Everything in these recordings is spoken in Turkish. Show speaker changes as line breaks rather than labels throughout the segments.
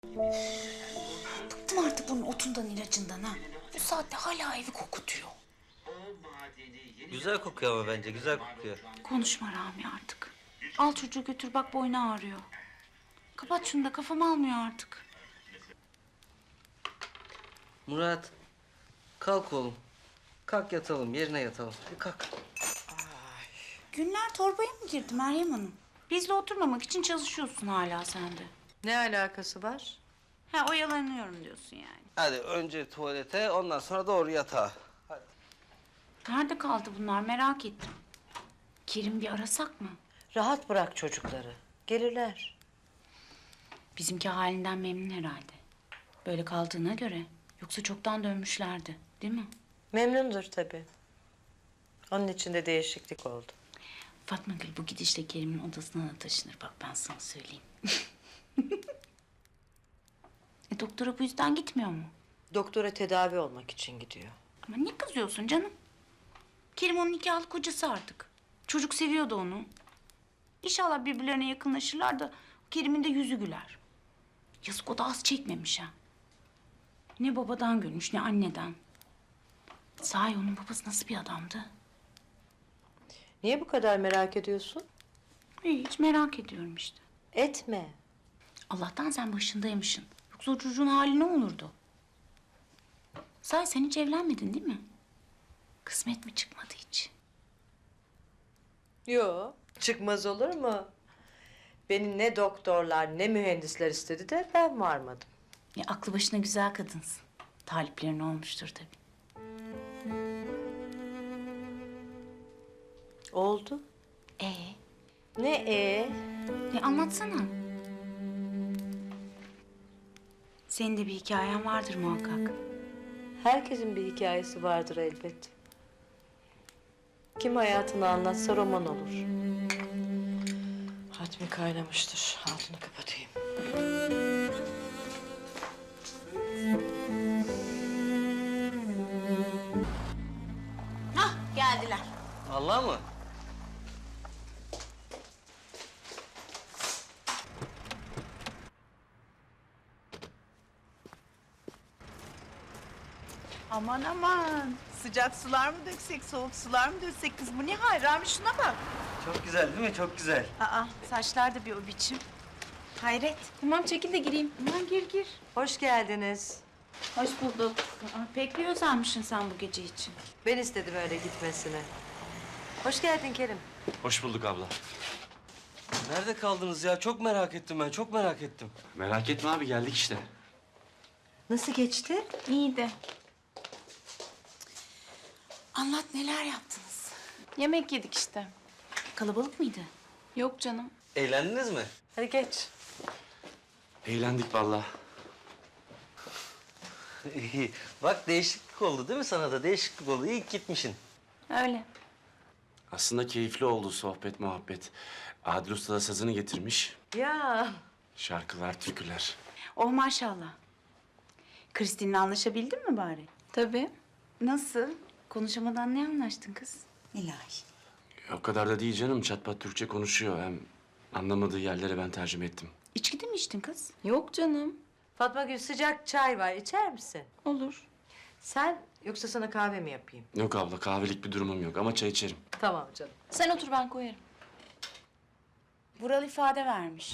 Bıktım artık bunun otundan ilacından ha. Bu saatte hala evi kokutuyor.
Güzel kokuyor ama bence güzel kokuyor.
Konuşma Rami artık. Al çocuğu götür bak boynu ağrıyor. Kapat şunu da kafam almıyor artık.
Murat, kalk oğlum. Kalk yatalım, yerine yatalım. Bir kalk.
Günler torbaya mı girdi Meryem Hanım? Bizle oturmamak için çalışıyorsun hala sen de.
Ne alakası var?
Ha oyalanıyorum diyorsun yani.
Hadi önce tuvalete, ondan sonra doğru yatağa. Hadi.
Nerede kaldı bunlar merak ettim. Kerim bir arasak mı?
Rahat bırak çocukları. Gelirler.
Bizimki halinden memnun herhalde. Böyle kaldığına göre. Yoksa çoktan dönmüşlerdi değil mi?
Memnundur tabii. Onun için de değişiklik oldu.
Fatma Gül bu gidişle Kerim'in odasına da taşınır. Bak ben sana söyleyeyim. Doktora bu yüzden gitmiyor mu?
Doktora tedavi olmak için gidiyor.
Ama ne kızıyorsun canım? Kerim onun nikahlı kocası artık. Çocuk seviyordu onu. İnşallah birbirlerine yakınlaşırlar da Kerim'in de yüzü güler. Yazık o da az çekmemiş ha. Ne babadan görmüş ne anneden. Sahi onun babası nasıl bir adamdı?
Niye bu kadar merak ediyorsun?
Hiç merak ediyorum işte.
Etme.
Allah'tan sen başındaymışsın. Yoksa o çocuğun hali ne olurdu? Sahi sen hiç evlenmedin değil mi? Kısmet mi çıkmadı hiç?
Yo, çıkmaz olur mu? Beni ne doktorlar ne mühendisler istedi de ben varmadım.
Ya aklı başına güzel kadınsın. Taliplerin olmuştur tabii.
Oldu.
Ee,
Ne
anlatsana. Senin de bir hikayen vardır muhakkak.
Herkesin bir hikayesi vardır elbet. Kim hayatını anlatsa roman olur. Hatmi kaynamıştır. Altını kapatayım.
Hah geldiler.
Allah mı?
Aman aman. Sıcak sular mı döksek, soğuk sular mı döksek kız? Bu ne hal? Rami şuna bak.
Çok güzel değil mi? Çok güzel.
Aa, saçlar da bir o biçim. Hayret.
Tamam çekil de gireyim.
Aman gir.
Hoş geldiniz.
Hoş bulduk. Pek bir özenmişsin sen bu gece için.
Ben istedim öyle gitmesini. Hoş geldin Kerim.
Hoş bulduk abla.
Nerede kaldınız ya? Çok merak ettim ben, çok merak ettim.
Merak etme abi geldik işte.
Nasıl geçti?
İyiydi. Anlat neler yaptınız?
Yemek yedik işte.
Kalabalık mıydı?
Yok canım.
Eğlendiniz mi?
Hadi geç.
Eğlendik vallahi.
İyi. Bak değişiklik oldu değil mi sana da? Değişiklik oldu. İyi ki gitmişsin.
Öyle.
Aslında keyifli oldu sohbet muhabbet. Adil Usta da sazını getirmiş.
Ya
Şarkılar, türküler.
Oh maşallah. Kristin'le anlaşabildin mi bari?
Tabii.
Nasıl? Konuşamadan ne anlaştın kız?
İlahi.
O kadar da değil canım. Çatpat Türkçe konuşuyor. Hem anlamadığı yerlere ben tercüme ettim.
İçki de mi içtin kız?
Yok canım.
Fatma Gül sıcak çay var. İçer misin?
Olur.
Sen yoksa sana kahve mi yapayım?
Yok abla kahvelik bir durumum yok ama çay içerim.
Tamam canım.
Sen otur ben koyarım.
Vural ifade vermiş.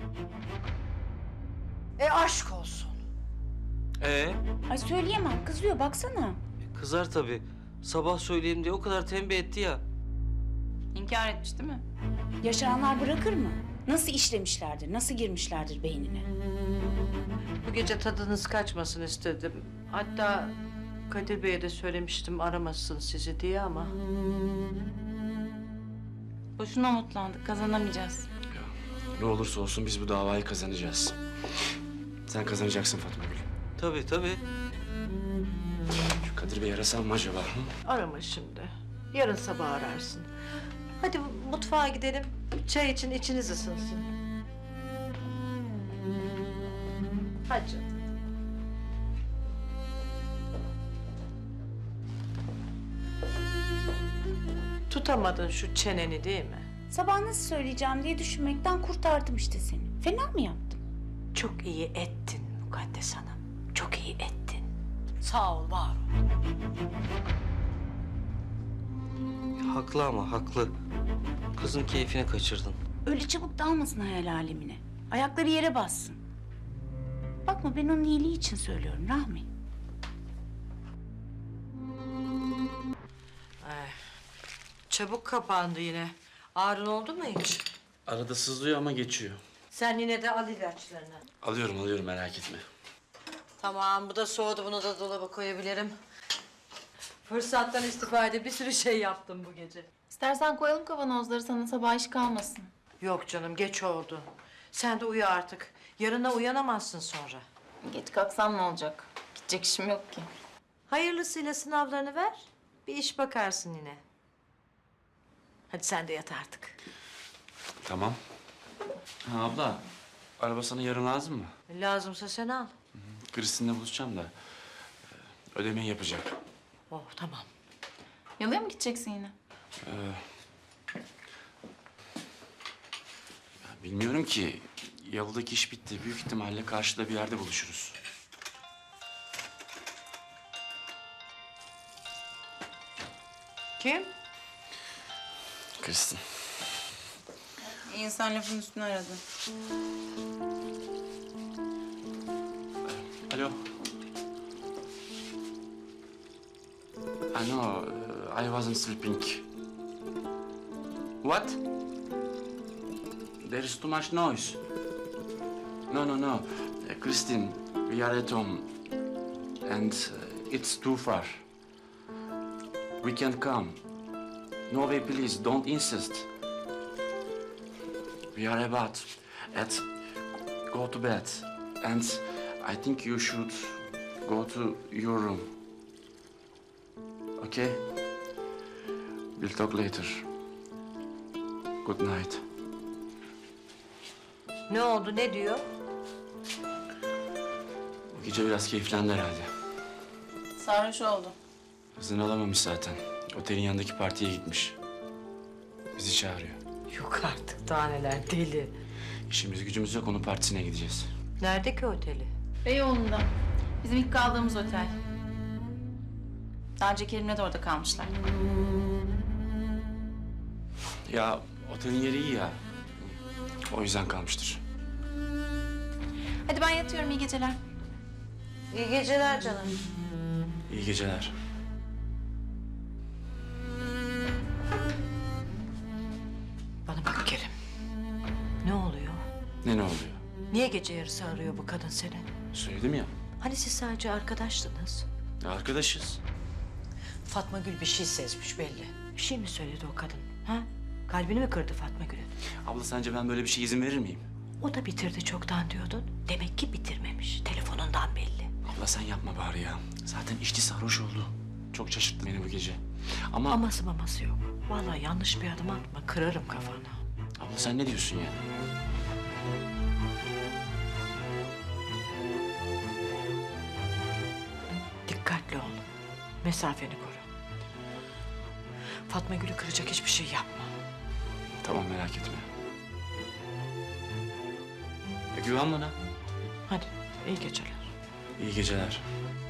Aşk olsun.
Ay söyleyemem kızıyor baksana.
Kızar tabii. Sabah söyleyeyim diye o kadar tembih etti ya.
İnkar etmiş değil mi?
Yaşayanlar bırakır mı? Nasıl işlemişlerdir, nasıl girmişlerdir beynine?
Bu gece tadınız kaçmasın istedim. Hatta Kadir Bey'e de söylemiştim aramasın sizi diye ama...
Boşuna umutlandık. Kazanamayacağız.
Ne olursa olsun biz bu davayı kazanacağız. Sen kazanacaksın Fatma Gül.
Tabii tabii.
Şu Kadir Bey'i arasam mı acaba? Hı?
Arama şimdi. Yarın sabah ararsın. Hadi mutfağa gidelim. Çay için içiniz ısınsın. Hadi canım. Tutamadın şu çeneni değil mi?
Sabah nasıl söyleyeceğim diye düşünmekten kurtardım işte seni. Fena mı yaptım?
Çok iyi ettin Mukaddes Hanım. Çok iyi ettin. Sağ ol, var ol.
Haklı ama haklı. Kızın keyfini kaçırdın.
Öyle çabuk dalmasın hayal alemine. Ayakları yere bassın. Bakma ben onun iyiliği için söylüyorum Rahmi.
Çabuk kapandı yine. Ağrın oldu mu hiç?
Arada sızlıyor ama geçiyor.
Sen yine de al ilaçlarını.
Alıyorum merak etme.
Tamam, bu da soğudu. Bunu da dolaba koyabilirim. Fırsattan istifade bir sürü şey yaptım bu gece.
İstersen koyalım kavanozları, sana sabah iş kalmasın.
Yok canım, geç oldu. Sen de uyu artık. Yarına uyanamazsın sonra.
Geç kalksam ne olacak? Gidecek işim yok ki.
Hayırlısıyla sınavlarını ver. Bir iş bakarsın yine. Hadi sen de yat artık.
Tamam. Ha, abla, araba sana yarın lazım mı?
Lazımsa sen al.
Kristin'le buluşacağım da ödemeyi yapacak.
Oh, tamam.
Yalıya mı gideceksin yine?
Bilmiyorum ki. Yalıdaki iş bitti. Büyük ihtimalle karşıda bir yerde buluşuruz.
Kim?
Kristin.
İnsan lafın üstüne aradı.
Alo. I know. I wasn't sleeping. What? There is too much noise. No. Christine, we are at home. And it's too far. We can't come. No way, please. Don't insist. We are about at go to bed. And I think you should go to your room. Okay? We'll talk later. Good night.
Ne oldu, ne diyor?
Bu gece biraz keyiflendi herhalde.
Sarhoş oldu.
Hızını alamamış zaten. Otelin yanındaki partiye gitmiş. Bizi çağırıyor.
Yok artık, daha neler, deli.
İşimiz gücümüz yok, onun partisine gideceğiz.
Nerede ki oteli?
Beyoğlu'nda. Bizim ilk kaldığımız otel. Daha önce Kerim'le de orada kalmışlar.
Ya otelin yeri iyi ya. O yüzden kalmıştır.
Hadi ben yatıyorum, iyi geceler.
İyi geceler canım.
İyi geceler.
Bana bak Kerim. Ne oluyor?
Ne oluyor?
Niye gece yarısı arıyor bu kadın seni?
Söyledim ya.
Hani siz sadece arkadaştınız?
Arkadaşız.
Fatma Gül bir şey sezmiş belli. Bir şey mi söyledi o kadın? Ha? Kalbini mi kırdı Fatma Gül'ün?
Abla sence ben böyle bir şey izin verir miyim?
O da bitirdi çoktan diyordun. Demek ki bitirmemiş. Telefonundan belli.
Abla sen yapma bari ya. Zaten içti sarhoş oldu. Çok şaşırttı beni bu gece. Ama
Aması maması yok. Vallahi yanlış bir adım atma. Kırarım kafanı.
abla sen ne diyorsun ya?
Dikkatli ol. Mesafeni koru. Fatma Gül'ü kıracak hiçbir şey yapma.
Tamam merak etme. Güven bana.
Hadi iyi geceler.
İyi geceler.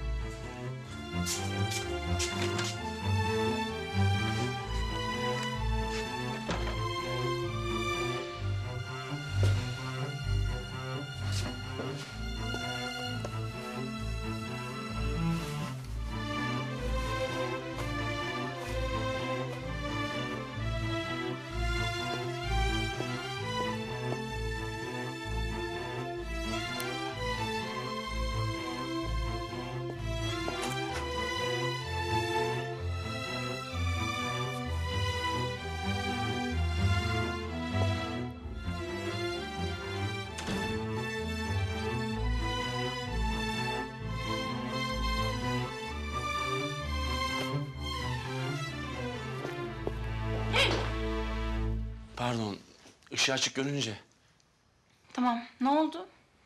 Pardon, ışığı açık görünce.
Tamam, ne oldu?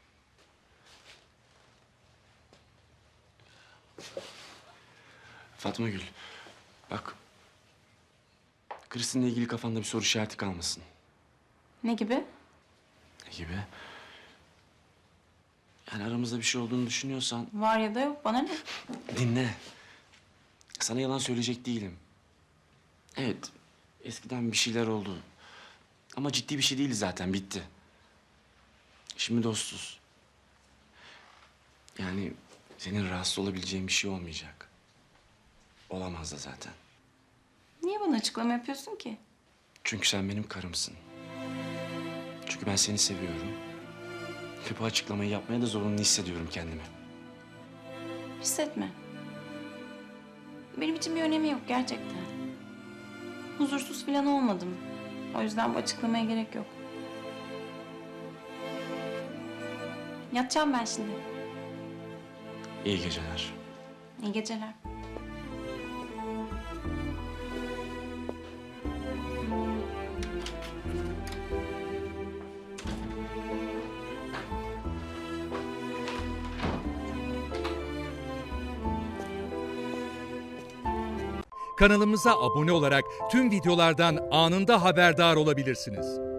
Fatma Gül, bak. Kristin'le ilgili kafanda bir soru işareti kalmasın.
Ne gibi?
Ne gibi? Yani aramızda bir şey olduğunu düşünüyorsan
Var ya da yok, bana ne?
dinle. Sana yalan söyleyecek değilim. Evet, eskiden bir şeyler oldu. Ama ciddi bir şey değildi zaten, bitti. Şimdi dostuz. Yani senin rahatsız olabileceğin bir şey olmayacak. Olamaz da zaten.
Niye bana açıklama yapıyorsun ki?
Çünkü sen benim karımsın. Çünkü ben seni seviyorum. Ve bu açıklamayı yapmaya da zorunlu hissediyorum kendimi.
Hissetme. Benim için bir önemi yok gerçekten. Huzursuz falan olmadım. O yüzden bu açıklamaya gerek yok. Yatacağım ben şimdi.
İyi geceler.
İyi geceler.
Kanalımıza abone olarak tüm videolardan anında haberdar olabilirsiniz.